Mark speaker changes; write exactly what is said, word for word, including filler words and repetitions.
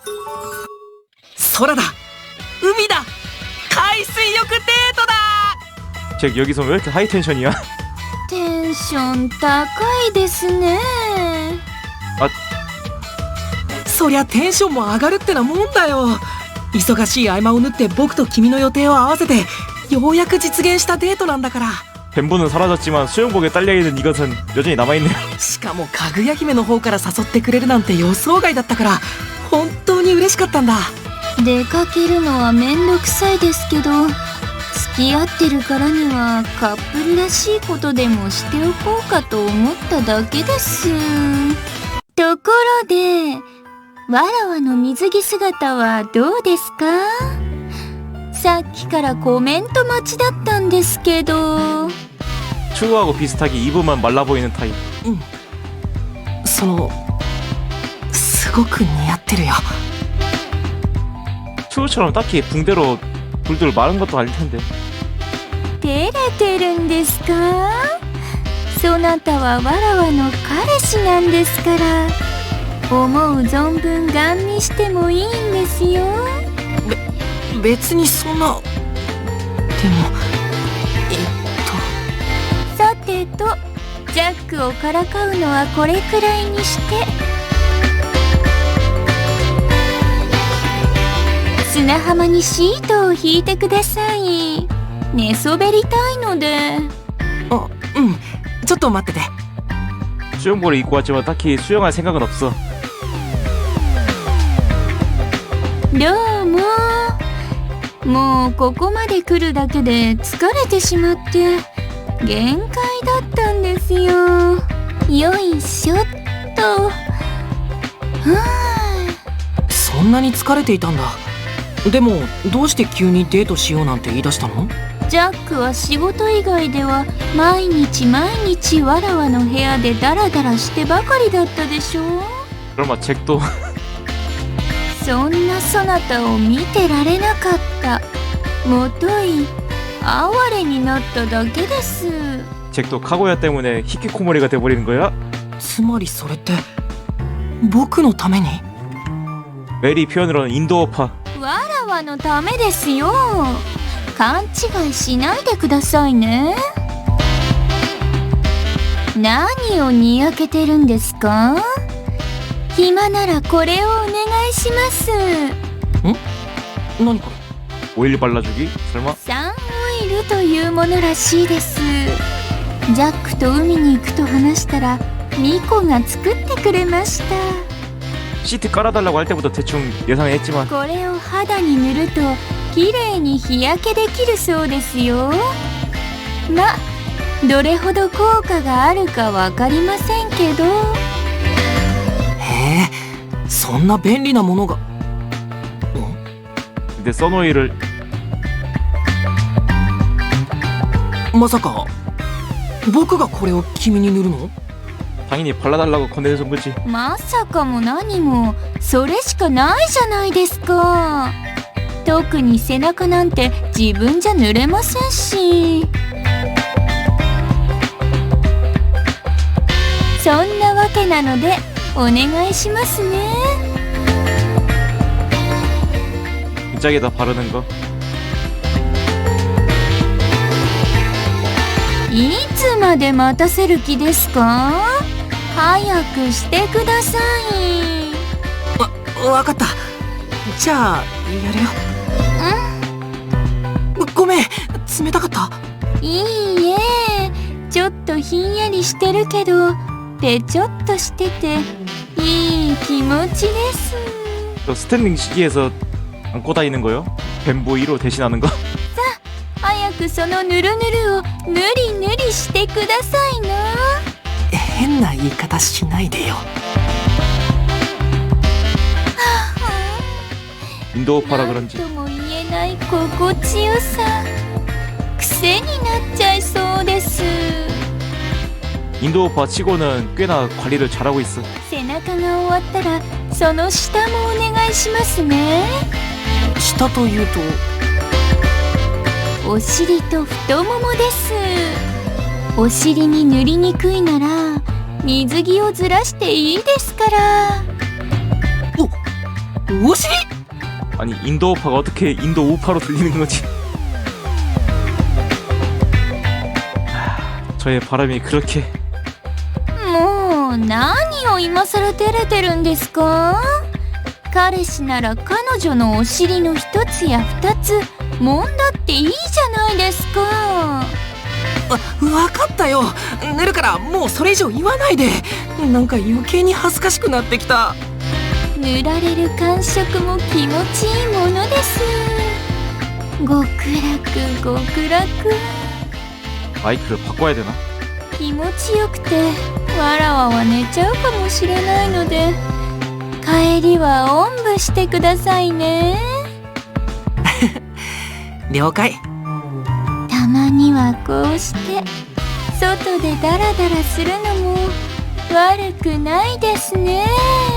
Speaker 1: 空だ、海だ、海水浴デートだ。
Speaker 2: 잭 여기서 왜 이렇게 하이 텐션이야?
Speaker 3: テンション高いですね。
Speaker 1: そりゃテンションも上がるってなもんだよ。忙しい合間を縫って僕と君の予定を合わせてようやく実現したデートなんだから。
Speaker 2: 뱀부는 사라졌지만 수영복에 딸려있는 이것은 여전히 남아있네요.
Speaker 1: しかもかぐや姫の方から誘ってくれるなんて予想外だったから本当に嬉しかったんだ。
Speaker 3: 出かけるのはめんどくさいですけど、付き合ってるからにはカップルらしいことでもしておこうかと思っただけです。ところで、わらわの水着姿はどうですか？さっきからコメント待ちだったんですけど。
Speaker 2: 추구하고 비슷하게 입으면 말라 보이는 타입.
Speaker 1: うん、そのすごく似合ってるよ。
Speaker 2: 추구처럼 딱히 붕대로 불들 마른 것도 아닐 텐데.
Speaker 3: 照れてるんですか？そなたはわらわの彼氏なんですから、思う存分ガン見してもいいんですよ。
Speaker 1: べ別にそんな。でもえっと
Speaker 3: さてと、ジャックをからかうのはこれくらいにして、砂浜にシートを引いてください。寝そべりたいので。
Speaker 1: あ、うん、ちょっと待ってて。
Speaker 2: 수영복을 입고 왔지만 딱히 수영할 생각은 없어.
Speaker 3: どうも。もうここまで来るだけで疲れてしまって限界だったんですよ。よいしょっと。は
Speaker 1: あ、そんなに疲れていたんだ。でもどうして急にデートしようなんて言い出したの？
Speaker 3: ジャックは仕事以外では毎日毎日わらわの部屋でダラダラしてばかりだったでしょ。
Speaker 2: 그러면 잭도
Speaker 3: そんなそなたを見てられなかった。もとい哀れになっただけです。
Speaker 2: 잭도 카고야 때문에 히키코모리가 돼버리는 거야?
Speaker 1: つまりそれって僕のために？
Speaker 2: 메리 표현으로는 인도어파.
Speaker 3: わらわのためですよ。勘違いしないでくださいね。何をにやけてるんですか？暇ならこれをお願いします。
Speaker 1: ん？何これ？
Speaker 2: 오일 발라주기? 설마?
Speaker 3: サンオイルというものらしいです。ジャックと海に行くと話したらミコが作ってくれました。
Speaker 2: 시트 깔아달라고 할 때부터 대충 예상했지만
Speaker 3: これを肌に塗るときれいに日焼けできるそうですよ。ま、どれほど効果があるかわかりませんけど。
Speaker 1: へえ、そんな便利なものが。
Speaker 2: 근데 써노이를
Speaker 1: まさか僕がこれを君に塗るの？
Speaker 2: 당연히 발라달라고 권해준 거지.
Speaker 3: まさかも何もそれしかないじゃないですか。特に背中なんて自分じゃ塗れませんし。そんなわけなのでお願いしますね。
Speaker 2: 짝에다 바르는 거.
Speaker 3: いつまで待たせる気ですか？早くしてください。
Speaker 1: わ、わかった。じゃあやるよ。うん。ごめん、冷たかった？
Speaker 3: いいえ、ちょっとひんやりしてるけどぺちょっとしてていい気持ちです。
Speaker 2: 스탠딩 시기에서 안고 다니는 거요? 뱀보이로 대신하는 거?
Speaker 3: さあ、早くそのぬるぬるをぬりぬりしてくださいな。
Speaker 1: 変な言い方しないでよ。
Speaker 2: 인도어파라 그런지
Speaker 3: なんとも言えない心地よさ。癖になっちゃいそうです。
Speaker 2: 인도어파 치고는 꽤나 관리를 잘하고 있어.
Speaker 3: 背中が終わったらその下もお願いしますね。
Speaker 1: 下というと？
Speaker 3: お尻と太ももです。お尻に塗りにくいなら水着をずらしていいですから。
Speaker 1: お、 오尻?
Speaker 2: 아니 인도 우파가 어떻게 인도 우파로 들리는 거지? 하, 저의 바람이 그렇게.
Speaker 3: もう何を今更照れてるんですか？彼氏なら彼女のお尻の一つや二つ揉んだっていいじゃないですか。
Speaker 1: わ分かったよ。寝るからもうそれ以上言わないで。なんか余計に恥ずかしくなってきた。
Speaker 3: 塗られる感触も気持ちいいものです。極楽極楽。
Speaker 2: 마이크를 바꿔야 되나?
Speaker 3: 気持ちよくてわらわは寝ちゃうかもしれないので帰りはおんぶしてくださいね。
Speaker 1: 了解。
Speaker 3: たまにはこうして外でダラダラするのも悪くないですね。